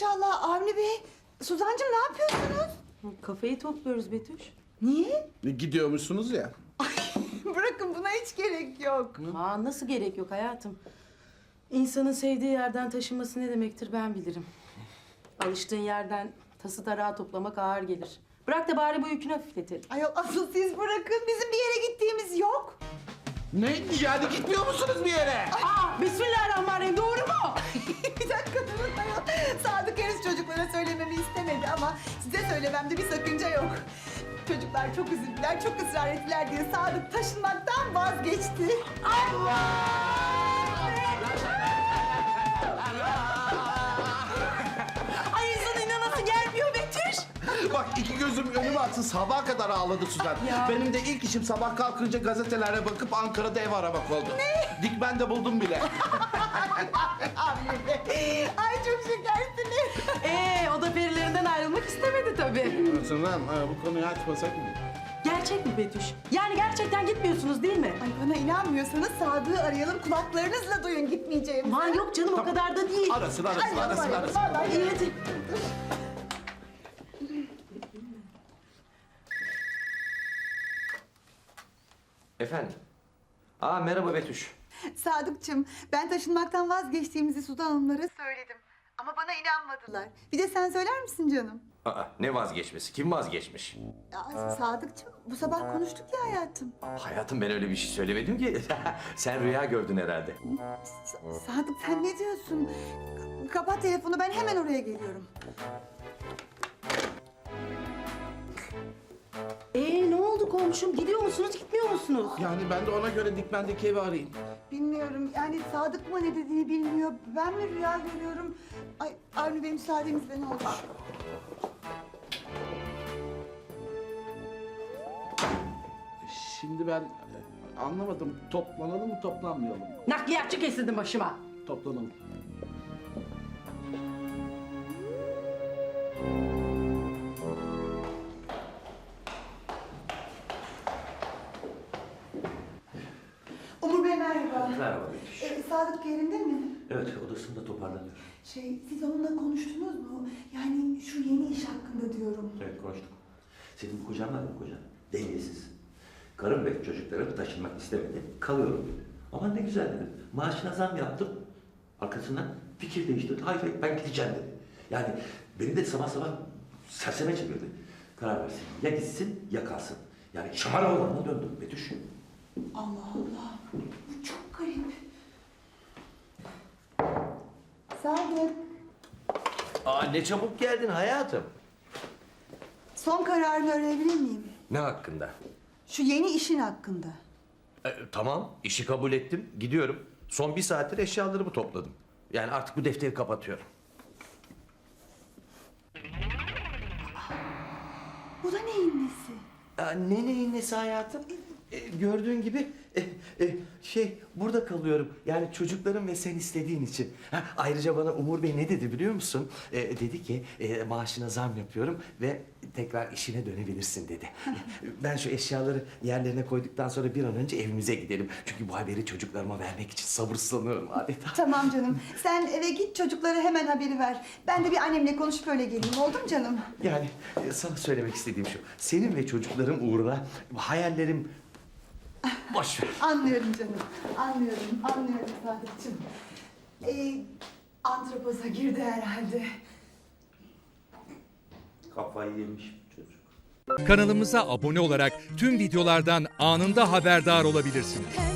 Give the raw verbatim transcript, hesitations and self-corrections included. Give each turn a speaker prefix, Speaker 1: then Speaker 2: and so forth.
Speaker 1: inşallah Avni Bey. Suzancığım ne yapıyorsunuz?
Speaker 2: Kafayı topluyoruz Betüş.
Speaker 1: Niye?
Speaker 3: Gidiyormuşsunuz ya.
Speaker 1: Ay, bırakın buna hiç gerek yok.
Speaker 2: Aa, nasıl gerek yok hayatım? İnsanın sevdiği yerden taşınması ne demektir ben bilirim. Alıştığın yerden tası tarağı toplamak ağır gelir. Bırak da bari bu yükünü hafifletelim.
Speaker 1: Ayol asıl siz bırakın. Bizim bir yere gittiğimiz yok.
Speaker 3: Ne? Yani gitmiyor musunuz bir yere?
Speaker 2: Aa, bismillahirrahmanirrahim, doğru mu?
Speaker 1: Bir dakika durun ayol. Sadık henüz çocuklara söylememi istemedi ama size söylememde bir sakınca yok. Çocuklar çok üzüldüler, çok ısrar ettiler diye Sadık taşınmaktan vazgeçti.
Speaker 2: Ay insan inanası gelmiyor Betüş.
Speaker 3: Bak iki gözüm önüme atsın, sabaha kadar ağladı Suzan.
Speaker 2: Ya.
Speaker 3: Benim de ilk işim sabah kalkınca gazetelere bakıp Ankara'da ev aramak oldu. Ne? Dikmen de buldum bile.
Speaker 1: Avni Bey, ay çok şekersiniz.
Speaker 2: Ee, o da perilerinden ayrılmak istemedi tabii.
Speaker 3: Suzan, bu konuyu açmasak mı?
Speaker 2: Gerçek mi Betüş? Yani gerçekten gitmiyorsunuz değil mi?
Speaker 1: Ay bana inanmıyorsanız Sadık'ı arayalım, kulaklarınızla duyun gitmeyeceğim.
Speaker 2: Aman yok canım, o kadar da değil.
Speaker 3: Arasın, arasın,
Speaker 1: Ay,
Speaker 3: arasın,
Speaker 1: ay,
Speaker 3: arasın.
Speaker 1: vallahi
Speaker 2: İyi hadi.
Speaker 4: Efendim? Aa merhaba Betüş.
Speaker 1: Sadıkçım, ben taşınmaktan vazgeçtiğimizi Sudan Hanımlara söyledim. Ama bana inanmadılar. Bir de sen söyler misin canım?
Speaker 4: Aa ne vazgeçmesi? Kim vazgeçmiş?
Speaker 1: Ya, Sadıkçım, bu sabah konuştuk ya hayatım.
Speaker 4: Hayatım ben öyle bir şey söylemedim ki. Sen rüya gördün herhalde.
Speaker 1: Sa- Sadık sen ne diyorsun? K- Kapat telefonu, ben hemen oraya geliyorum.
Speaker 2: Ee, ne oldu komşum? Gidiyor musunuz, gitmiyor musunuz?
Speaker 3: Yani ben de ona göre Dikmen'deki evi arayayım.
Speaker 1: Bilmiyorum, yani Sadık mı ne dediğini bilmiyor. Ben mi rüya görüyorum? Ay Avni Bey müsaadenizle ne olur.
Speaker 3: Şimdi ben e, anlamadım. Toplanalım mı, toplanmayalım mı?
Speaker 2: Nakliyatçı kesildin başıma.
Speaker 3: Toplanalım.
Speaker 1: Umur Bey merhaba.
Speaker 4: Merhaba Betüş.
Speaker 1: Ee, Sadık yerinde mi?
Speaker 4: Evet odasında toparlanıyor.
Speaker 1: Şey, siz onunla konuştunuz mu? Yani şu yeni iş hakkında diyorum.
Speaker 4: Evet konuştuk. Senin kocan var mı kocan? Dengesiz. Karım ve çocuklarım taşınmak istemedi. Kalıyorum dedi. Ama ne güzel dedim. Maaşına zam yaptım. Arkasından fikir değiştirdi. Hayır hayır ben gideceğim dedi. Yani beni de sabah sabah serseme çevirdi. Karar versin. Ya gitsin ya kalsın. Yani şamar oğlanına döndüm Betüş.
Speaker 1: Allah Allah, bu çok garip. Sadık,
Speaker 4: Aa ne çabuk geldin hayatım.
Speaker 1: son kararını öğrenebilir miyim?
Speaker 4: Ne hakkında?
Speaker 1: Şu yeni işin hakkında.
Speaker 4: E, tamam, işi kabul ettim. Gidiyorum. Son bir saattir eşyalarımı topladım. Yani artık bu defteri kapatıyorum.
Speaker 1: Bu da neyin nesi?
Speaker 4: Ya, ne neyin nesi hayatım? E, gördüğün gibi e, e, şey burada kalıyorum. Yani çocuklarım ve sen istediğin için. Ha, ayrıca bana Umur Bey ne dedi biliyor musun? E, dedi ki e, maaşına zam yapıyorum ve tekrar işine dönebilirsin dedi. Ben şu eşyaları yerlerine koyduktan sonra bir an önce evimize gidelim. Çünkü bu haberi çocuklarıma vermek için sabırsızlanıyorum adeta.
Speaker 1: Tamam canım, sen eve git çocuklara hemen haberi ver. Ben de bir annemle konuşup öyle geleyim, oldu mu canım?
Speaker 4: Yani e, sana söylemek istediğim şu. Senin ve çocuklarım uğruna hayallerim boş ver.
Speaker 1: Anlıyorum canım, anlıyorum, anlıyorum Sadıkçım. Ee, antropoza girdi herhalde.
Speaker 4: Kafayı yemiş çocuk.
Speaker 5: Kanalımıza abone olarak tüm videolardan anında haberdar olabilirsiniz.